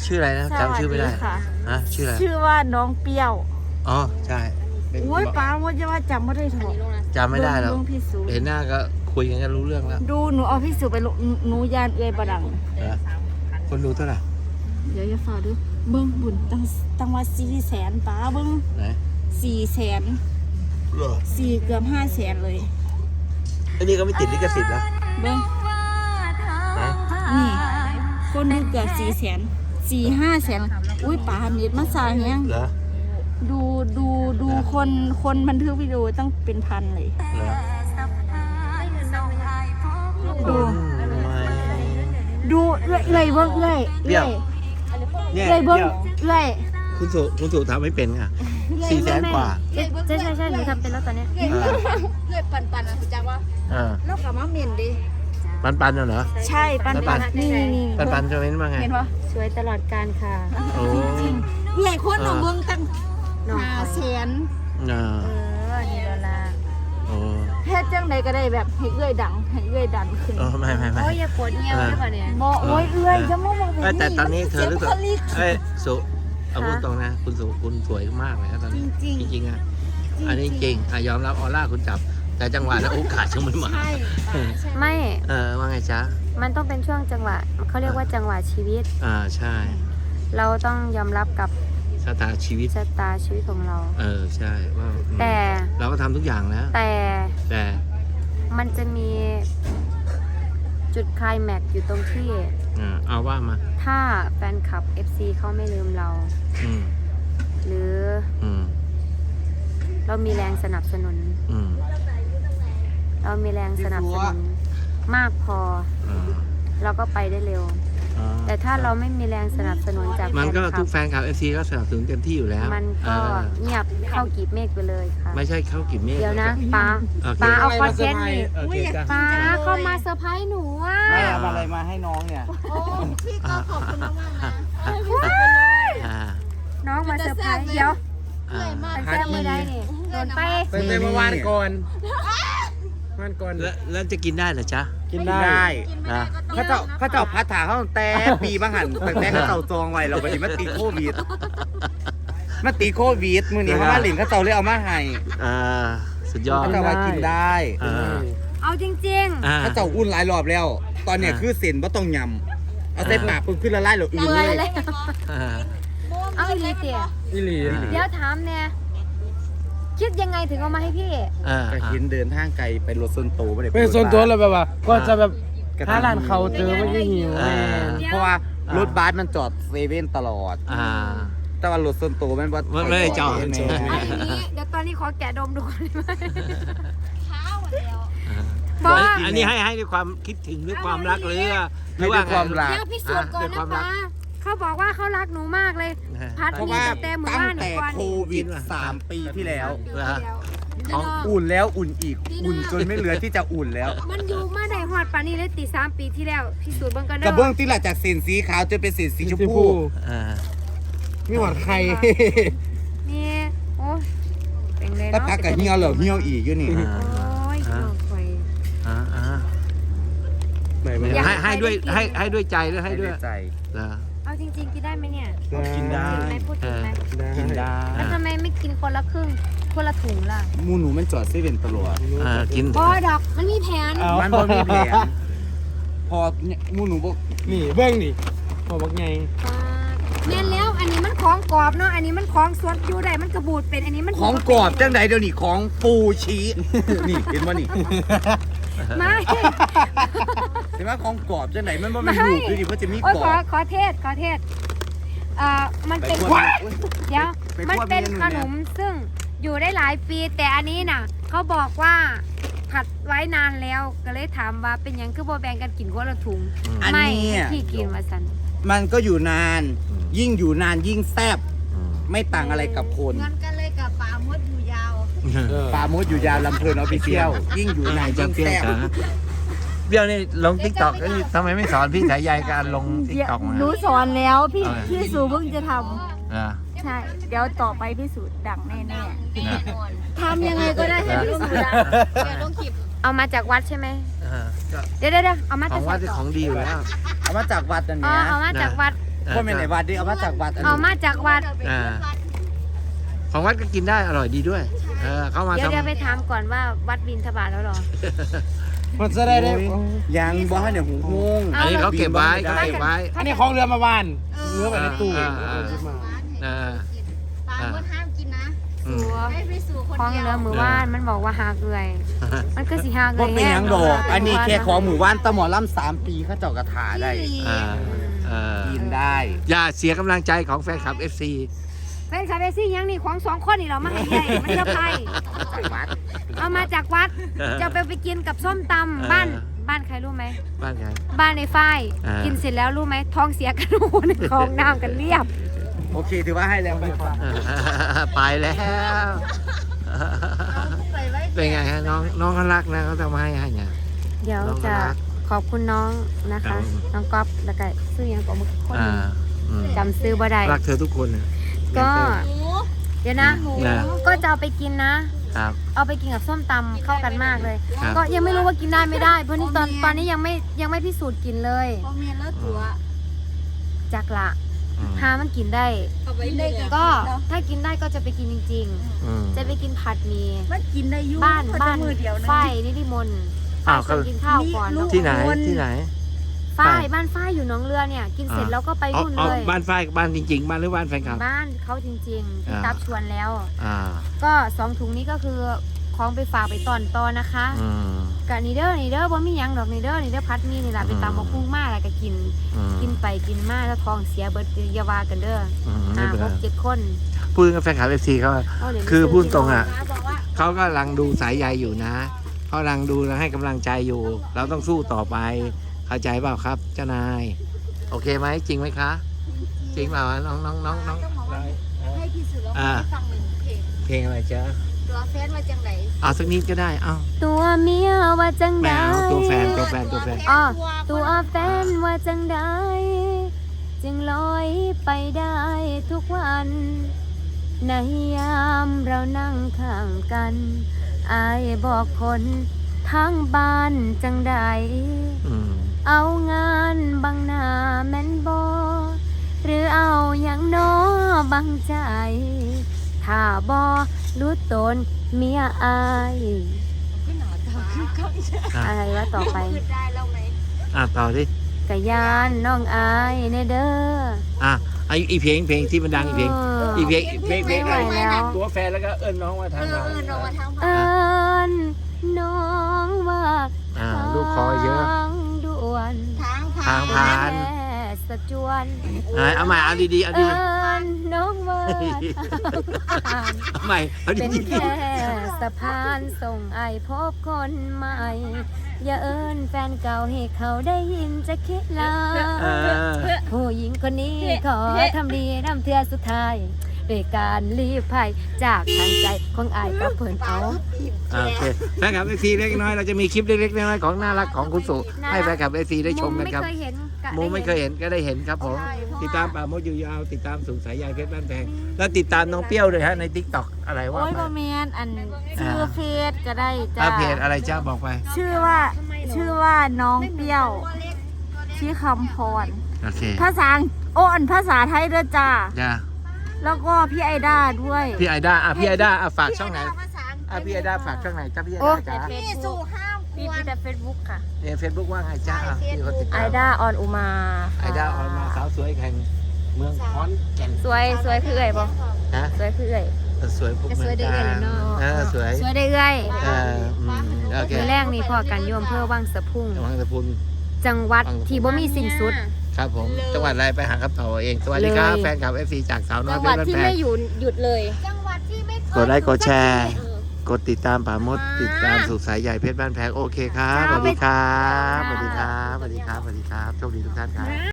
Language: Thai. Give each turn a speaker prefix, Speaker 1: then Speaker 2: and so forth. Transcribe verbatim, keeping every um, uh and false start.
Speaker 1: ชื่ออะไรนะจำชื่อไม่ได้ฮะชื่ออะไร
Speaker 2: ชื่อว่าน้องเปรี้ยว
Speaker 1: อ๋อใช่
Speaker 2: โอ้ยป้าว่าจะว่าจำไม่ได้ถูก
Speaker 1: จำไม่ได้แล้วเห็นหน้าก็คุยกันก็รู้เรื่องแล้ว
Speaker 2: ดูหนูเอาพี่สูไปลงหนูยานเอื้อยบดัง
Speaker 1: คนดูเท่าไหร่
Speaker 2: เดี๋ยวจะฝากดูเบิ้งบุญตั้งตั้งว่าสี่แสนป้าเบิ้ง
Speaker 1: ไหน
Speaker 2: สี่แสนสี่เกือบห้าแสนเลย
Speaker 1: อันนี้ก็ไม่ติดลิขสิทธิ์แล้ว
Speaker 2: เบิ้งนี่คนดูเกือบสี่แสนสี่ห้าแสนอุ้ยป้าเน็ตมาสายแฮงดูดูดูคนคนบันทึกวิดีโอต้องเป็นพันเลยดูดูเอื้อยเอื้อยเบิ้งเอื้อยเอื้อยเอื้อยเบิ้งเอื้อย
Speaker 1: คุณสุคุณสุทำไม่เป็นค่ะสี่แสนกว่า
Speaker 3: ใช่ใช่ใช่หนูทำเป็นแล้วตอนนี้
Speaker 2: เอื้อยปันปันอ่ะคุณจักว่าแล้วกลับมาเมียนดิ
Speaker 1: ปันปันเหรอ
Speaker 2: ใช่ปันปันนี่นี่
Speaker 1: ปันปันจะเป็นว่าไง
Speaker 2: เห็นปะ
Speaker 3: สวยตลอดการค่ะ
Speaker 1: โอ้
Speaker 2: จริงเอื้อยคนหนูเบิ้งตั้งห้าแสน
Speaker 3: เออนี่ละละ
Speaker 1: โอ้
Speaker 2: เฮ็ดจังใดก็ได้แบบให้เอื้อยดังให้เอื้อยดันขึ้น
Speaker 1: โอ้ไม่ไม่ไม่
Speaker 3: โอ้ยอย่าปวดเงี้ยวได้ป่ะเนี่ย
Speaker 2: บ่โอ้ยเอื้อยจะมองมอง
Speaker 1: แบบแต่ตอนนี้เธอรู้สึกเอ้ยสุเอาพูดตรงนะคุณสุคุณสวยมากเลยนะตอนนี้จริงจริงอ่ะอันนี้จริงอ่ะยอมรับออร่าคุณจับแต่จังหวะและโอกาสยังไม่มา
Speaker 3: ไม่
Speaker 1: เออว่าไงจ๊ะ
Speaker 3: มันต้องเป็นช่วงจังหวะเขาเรียกว่าจังหวะชีวิต
Speaker 1: อ่าใช่
Speaker 3: เราต้องยอมรับกับ
Speaker 1: ชะตาชีวิต
Speaker 3: ชะตาชีวิตของเรา
Speaker 1: เออใช่ว่า
Speaker 3: แต่
Speaker 1: เราก็ทำทุกอย่างแล้ว
Speaker 3: แต่
Speaker 1: แต่
Speaker 3: มันจะมีจุดไคลแม็กซ์อยู่ตรงที่
Speaker 1: อ่าเอาว่ามา
Speaker 3: ถ้าแฟนคลับ เอฟ ซี เขาไม่ลืมเรา
Speaker 1: อืม
Speaker 3: หรือ
Speaker 1: อืม
Speaker 3: เรามีแรงสนับสนุน
Speaker 1: อืม
Speaker 3: เรามีแรงสนับสนุนมากพอเราก็ไปได้เร็วแต่ถ้าเราไม่มีแรงสนับสนุนจากแฟนคลับ
Speaker 1: มันก็ทุกแฟนคลับ เอฟ ซี ก็สนับสนุนเต็มที่อยู่แล้ว
Speaker 3: มันก็เงียบเข้ากีบเมฆไปเลยค่ะ
Speaker 1: ไม่ใช่เข้ากีบเมฆ
Speaker 3: เดี๋ยวนะป้าป้าเอาคอนเทนต์นี่ป้าเข้ามาเซอร์ไพรส์หนูอ่ะ
Speaker 4: เอาอะไรมาให้น้องเนี่ย
Speaker 2: โอ้พี่ก็ขอบคุณมากนะ
Speaker 3: น้องมาเซอร์ไพรส์เดี๋ยวแซ่บไม่ได้นี่โดนไป
Speaker 4: เป็นเมื่อวานก่อนวันก่อน
Speaker 1: แล้วจะกินได้เหรอจ๊ะ
Speaker 4: กินได้เขาเจ้าเขาเจ้าพัดถาเขาแต่ปีบ้างหันแต่เขาเจ้าจองไว้เราไปดิมาตีโควิดมาตีโควิดมือนี้เขามาหลิงเขาเจ้าเลยเอามาให้
Speaker 1: อ่าสุดยอด
Speaker 4: เขาเจ้าว่ากินได้
Speaker 3: เอาจริง
Speaker 4: ๆเขาเจ้าอุ่นหลายรอบแล้ว ตอนเนี้ยคือเส้นว่าต้องยำเอาใส่ปากปุ๊บขึ้นละลายหรืออื่นเลย
Speaker 3: เอาอีหลีเตี๋ย
Speaker 4: อีหลี
Speaker 3: เดี๋ยวถามเนี่ยคิดยังไงถึงเอามาให้พี่
Speaker 4: ก็เห็นเดินทางไกลไปรถส่วนตัวไม่ได้
Speaker 5: เป็นส่วนตัวเลยแบบว่าก็จะแบบถ้าร้านเขาเจอไม่ได้หิว
Speaker 4: เพราะว่ารถบัสมันจอดเซเว่นตลอดแต่ว่ารถส่วนตัวมันว่า
Speaker 1: ไม่ได้จอด
Speaker 3: เดี๋ยวตอนนี้ขอแกะดมดูก่อนได้ไหมข้าว
Speaker 1: แล้วอันนี้ให้ให้ด้วยความคิดถึงด้วยความรักหรือหรือว่า
Speaker 4: ความรัก
Speaker 3: เดี๋ยวพิสูจน์ก่อนนะป้าเขาบอกว่าเขารักหนูมากเลยพัดมีแต่หมู่บ้าน
Speaker 4: ตั้งแต่โควิดสามปีที่แล้ว
Speaker 1: ของ
Speaker 4: อุ่นแล้วอุ่นอีกอุ่นจนไม่เหลือที่จะอุ่นแล้ว
Speaker 3: มันอยู่มาได้หอดปานี้เลยตีสามปีที่แล้วพิสูจน์เบื้องกันเด้อก
Speaker 4: ระเบื้องที่หลังจากเส้นสีขาวจนเป็นเส้นสีชมพูไม่หวัดใคร
Speaker 3: นี่โอ้เป็นไงเนาะ
Speaker 4: ถ้าพักกับเหี่ยวเหรอเหี่ยวอีกอยู่นี่
Speaker 3: โอ้ยน้องคอย
Speaker 1: ให้ให้ด้วยให้ให้ด้วยใจด้วยให้ด้วย
Speaker 4: ใจ
Speaker 3: เอาจริงๆกินได้ไหมเนี่ย
Speaker 4: กินได้
Speaker 3: ไม่พูดถึงไหม
Speaker 4: กินได้
Speaker 3: แล้วทำไมไม่กินคนละครึ่งคนละถุงล่ะ
Speaker 4: มูหนูมันจอดเซเว่นตลอด
Speaker 1: กิน
Speaker 3: พอดอกมันมีแผน
Speaker 4: มันพอมีแผนพอมูหนูบอก
Speaker 5: นี่เบื้องนี่พอบอกไง
Speaker 3: แม่นแล้วอันนี้มันของกรอบเนาะอันนี้มันของสดอยู่ได้มันกระบูดเป็นอันนี้มัน
Speaker 4: ของกรอบจังใดเดี๋ยวนี้ของปูชีนี่เห็นว่านี่
Speaker 3: ไม่
Speaker 4: เห็นว่าของกรอบจังไหนมันไม่ถูกดูดิเพราะจะมีกรอบ
Speaker 3: ขอขอเทศขอเทศอ่ามันเป็นเดี๋ยวมันเป็นขนมซึ่งอยู่ได้หลายปีแต่อันนี้น่ะเขาบอกว่าผัดไว้นานแล้วก็เลยถามว่าเป็นยังคือโบแบงกันกินคนละถุงไม่พี่กินมาสัน
Speaker 4: มันก็อยู่นานยิ่งอยู่นานยิ่งแซ่บไม่ต่างอะไรกับคน
Speaker 2: งั้นกันเลยกับปลามดอยู่ยาว
Speaker 4: ปลามดอยู่ยาวลำเพลินออฟฟิเชียลยิ่งอยู่นานยิ่งแซ่บ
Speaker 1: เบี้ยวนี่ลงทิกตอกทำไมไม่สอนพี่สายใยการลงทิกตอกมา
Speaker 2: หนูสอนแล้วพี่พี่สูเพิ่งจะทำใช่เดี๋ยวต่อไปพี่สูดังแน่ๆทำยังไงก็ได้ให้พี่สูดังต้องคลิป
Speaker 3: เอามาจากวัดใช่ไหมเดี๋ยวเดี๋ยวเอามา
Speaker 1: จากวัดที่ของดีอยู่แล้ว
Speaker 4: เอามาจากวัดอันนี้
Speaker 3: อ๋อเอามาจากวัด
Speaker 4: คนไม่ไหนวัดดิเอามาจากวัดอัน
Speaker 3: เอา
Speaker 4: นี้
Speaker 3: มาจากวัด
Speaker 1: อ่าของวัดก็กินได้อร่อยดีด้วยเออเขามา
Speaker 3: เดี๋ยว
Speaker 1: ทำ
Speaker 3: เดี๋ยวไปถามก่อนว่าวัดบินทบาทแล้วเหรอ
Speaker 5: มันจะได้ได้
Speaker 4: โอ้ยยังบ่ให้เนี่ยหูงง
Speaker 1: อันนี้เขาเก็บไว้เขาเก็บไว้
Speaker 5: อันนี้ของเรือมาบ้านเรือไปในตู้
Speaker 1: อ่าอ่า อ่า
Speaker 2: ปลาก็ห้ามกินนะ
Speaker 1: อืม
Speaker 2: ให้ไปสู่คน
Speaker 3: คล้อง
Speaker 2: เดียว
Speaker 3: เรือมือว่านมันบอกว่าหากเอื่อยมันก็สิหาก
Speaker 4: บ่
Speaker 3: เอื่อย
Speaker 4: เป็นหยังดอก อันนี้แค่ของหมู่บ้านตะหมอลำสามปีเขาเจ้ากระถาได้
Speaker 1: อ่าอ่า
Speaker 4: กินได้
Speaker 1: อย่าเสียกำลังใจของแฟนคลับ เอฟ ซี
Speaker 3: แฟนคลับเอซี่ยังนี่ของสองคนนี่เรามาให้ใหญ่มันเยอะไป
Speaker 4: จากวัด
Speaker 3: เอามาจากวัดจะไปไปกินกับส้มตำบ้านบ้านใครรู้ไหม
Speaker 1: บ้านใคร
Speaker 3: บ้านในฝ้าย
Speaker 1: อ่ากิ
Speaker 3: กินเสร็จแล้วรู้ไหมท้องเสียกันโอ้ในคลองน้ำกันเรียบ
Speaker 4: โอเคถือว่าให้แล้วไป
Speaker 1: ไปแล้ว เป็นไงฮะน้องน้องเขารักนะเขาทำให้ให้เนี่ย
Speaker 3: เดี๋ยว
Speaker 1: น้อง
Speaker 3: จะ
Speaker 1: น่ารัก
Speaker 3: ขอบคุณน้องนะ
Speaker 1: ครั
Speaker 3: คะ
Speaker 1: บ
Speaker 3: น้องก๊อฟแล้วก็ซื้อยังกับมุกคน
Speaker 1: อ่าอืม
Speaker 3: จำซื้อบ่ได้
Speaker 1: รักเธอทุกคนน่ะ
Speaker 3: ก็ เดี๋ยวนะ
Speaker 1: นะ
Speaker 3: ก็จะเอาไปกินนะ
Speaker 1: ครับ
Speaker 3: เอาไปกินกับส้มตำเข้ากันมากเลย
Speaker 1: ครับ
Speaker 3: ก็ยังไม่รู้ว่ากินได้ไม่ได้ เพราะนี่ตอนตอนนี้ยังไม่ยังไม่พิสูจน์กินเลย
Speaker 2: พอเมียนแล้วตัว
Speaker 3: จักละ
Speaker 1: อืม
Speaker 3: หามันกินได้
Speaker 2: เอาไว้ได้
Speaker 3: ก็ถ้ากินได้ก็จะไปกินจริง
Speaker 1: อืม
Speaker 3: ๆ จะไปกินผัดหมี
Speaker 2: มันกินได้ยุ่
Speaker 3: บ้านบ้านฝ้ายนิติมนต์
Speaker 1: อ้าว
Speaker 3: ฝ้ายชวนกินข้าวก่อนเนอะ
Speaker 1: ที่ไหนที่ไหน
Speaker 3: ฝ้ายบ้านฝ้ายอยู่หนองเรือเนี่ย กินเสร็จแล้วก็ไป
Speaker 1: เอา
Speaker 3: รุ่น
Speaker 1: เอา
Speaker 3: เลย
Speaker 1: บ้านฝ้ายบ้านจริง ๆ บ้านหรือบ้านแฟนคลับ
Speaker 3: บ้านเขาจริงๆที่
Speaker 1: อ่า
Speaker 3: ตับชวนแล้ว
Speaker 1: อ่า
Speaker 3: ก็สองถุงนี้ก็คือของไปฝากไปตอนตอนนะคะ
Speaker 1: อืม
Speaker 3: กับนีเดอร์นีเดอร์ว่ามีหยังดอกนีเดอร์นีเดอร์พัดมีนี่แหละไปตามมาคุ้งมากแล้วก็กิน
Speaker 1: อืม
Speaker 3: กินไปกินมาแล้วท้องเสียเบิดอยาวากันเด้อ
Speaker 1: อืมไม่
Speaker 3: อ่า
Speaker 1: เป็น
Speaker 3: ห
Speaker 1: ไร
Speaker 3: กเจ็ดคน
Speaker 1: พูดกับแฟนคลับ เอฟ ซี เขา
Speaker 3: เอาเหรียญ
Speaker 1: คือ
Speaker 3: ไปซื้
Speaker 1: พูดตรงอ่ะ
Speaker 2: บอกว่า
Speaker 1: เขากำลังดูสายใยอยู่นะเขากำลังดูและให้กำลังใจอยู่ เราต้องสู้ต่อไป เข้าใจเปล่าครับเจ้านาย โอเคไหมจริงไหมคะ จริงเปล่าน้องน้องน้องน้อง
Speaker 2: ต้องบอกว่าให้พี่สุร
Speaker 1: อ่า
Speaker 2: ให้ฟังหนึ่งเพลง
Speaker 1: เพลงอะไรจ๊ะ
Speaker 2: ตัวแฟนมาจังไหน
Speaker 1: เอาสักนิดก็ได้เอา
Speaker 3: ตัวเมียว่าจัง
Speaker 1: แม
Speaker 3: ได
Speaker 1: วตัวแฟนตัวแฟนตัวแฟน
Speaker 3: อ๋อตัวแฟนว่าจังไดจึงลอยไปได้ทุกวัน ในยามเรานั่งข้างกันอายบอกคนทั้งบ้านจังใด
Speaker 1: อืม
Speaker 3: เอางานบังหน้าแม่นบอหรือเอาอย่างน้อบังใจ ถ้าบอรู้ตนเมียอาย
Speaker 1: อ่ะ
Speaker 3: อะไรวะต่อไป
Speaker 2: พูดได้แล้วไหม
Speaker 1: อ่ะต่อดิ
Speaker 3: กะยานน้องอายเนเด้อ
Speaker 1: อ่ะไออีเพลงเพลงที่มันดังอีเพลงอีเพลงเพลงเพลง
Speaker 3: ไม่ไหวแล้ว
Speaker 1: ตัวแฟนแล้วก็เอิ้นน้องว่า
Speaker 2: เอ
Speaker 1: ทาง
Speaker 2: อ
Speaker 1: เรา
Speaker 2: เออเรามาทาง
Speaker 3: เอิ
Speaker 2: ผ่าน
Speaker 3: นน้องว่า
Speaker 1: อ่าลูกคอเยอะ
Speaker 3: ทางด่วน
Speaker 2: ทาง
Speaker 1: ทา
Speaker 2: ผ่าง น
Speaker 1: ผ่าน
Speaker 3: แม่สะจวน
Speaker 1: อ่ะเอาใหม่เอาดีๆเอา
Speaker 3: เอิ
Speaker 1: ดี
Speaker 3: นน้องว่าทางผ่าน
Speaker 1: ๆเอาใหม่เอา
Speaker 3: เป็น
Speaker 1: ดี
Speaker 3: แค่สะพานส่งไอพบคนใหม่ อย่าเอินแฟนเก่าให้เขาได้ยินจะคิดลา
Speaker 1: ๆเออ
Speaker 3: ผู้หญิงคนนี้ขอทำดีน้ำเทือสุดท้ายโดยการรีบภัยจากทางใจของไอายกับเพิ่นเอา
Speaker 1: อ่ะโอเคแฟนคลับเอฟซีเล็กน้อยเราจะมีคลิปเล็กๆน้อยๆของน่ารักของคุณสุให้แฟนคลับเอฟซีได้ชมกันครับ
Speaker 3: ไม่เคยเห็นกะ
Speaker 1: มูไม่เคยเห็นก็ได้เห็นครับผม ติดตามป่าโมดอยู่ยาวติดตามสูงสายใยเพชรบ้านแพงแล้วติดตามน้องเปรี้ยวด้วยฮะในทิกตอกอะไรว่า
Speaker 2: โอ้ย
Speaker 1: ไป
Speaker 2: บอมเมนอันชื่อเฟซก็ได้จ้า
Speaker 1: อ่ะเพจอะไรจ้าบอกไป
Speaker 2: ชื่อว่าชื่อว่าน้องเปรี้ยวชื่อคำพร
Speaker 1: โอเค
Speaker 2: ภาษาโอ้อันภาษาไทยด้วยจ้า
Speaker 1: จ้า
Speaker 2: แล้วก็พี่ไอด้าด้วย
Speaker 1: พี่ไอด้าอ่ะพี่ไอด้าอ่ะฝากช่องไหนอ่ะพี่ไอด้าฝากช่องไหนจ้าพี่ไอด้าจ้า
Speaker 2: พี่สู่ห้ามค
Speaker 3: พี่
Speaker 2: วร
Speaker 3: แต่เฟซบุ๊กค่ะ
Speaker 1: ในเฟซบุ๊กว่าไงจ้าอ่ะพี่คนติด
Speaker 3: ไอ
Speaker 1: ตาม
Speaker 3: ด้าออนอุมา
Speaker 1: ไอด้าออนมาสาวสวยแข่งเมืองขอนแก่น
Speaker 3: สวยสวยคือเอ่ยบ่
Speaker 1: ฮะ
Speaker 3: สวยคือเอ่ย
Speaker 1: สวยพวกเมืองกาญเออสวย
Speaker 3: สวยได้เอ่ย
Speaker 1: เอออืมโอเค
Speaker 3: มือแรกนี่พอกันโยมเพื่อวังสะพุ่ง
Speaker 1: จังหวัดตะพุน
Speaker 3: จังหวัดที่บ่มีสิ้นสุด
Speaker 1: ครับผมจังหวัดอะไรไปหาคำตอบเอาเองสวัสดีครับ
Speaker 3: เลย
Speaker 1: แฟนคลับเอฟซีจากสาวน้อย
Speaker 3: จัง
Speaker 1: เพ
Speaker 3: ห
Speaker 1: ช
Speaker 3: วัด
Speaker 1: รบ้าน
Speaker 3: ที่
Speaker 1: แพ
Speaker 3: ไม่
Speaker 1: ง
Speaker 3: หยุดหยุดเลย
Speaker 2: จังหวัดที่ไม่เคย
Speaker 1: กดไลค์กดแชร์ กดติดตามป่ามด ติดตามสุขสายใหญ่เพชรบ้านแพงโอเคครับสวัสดีครับสวัสดีครับสวัสดีครับสวัสดีครับโชคดีทุกท่านครับ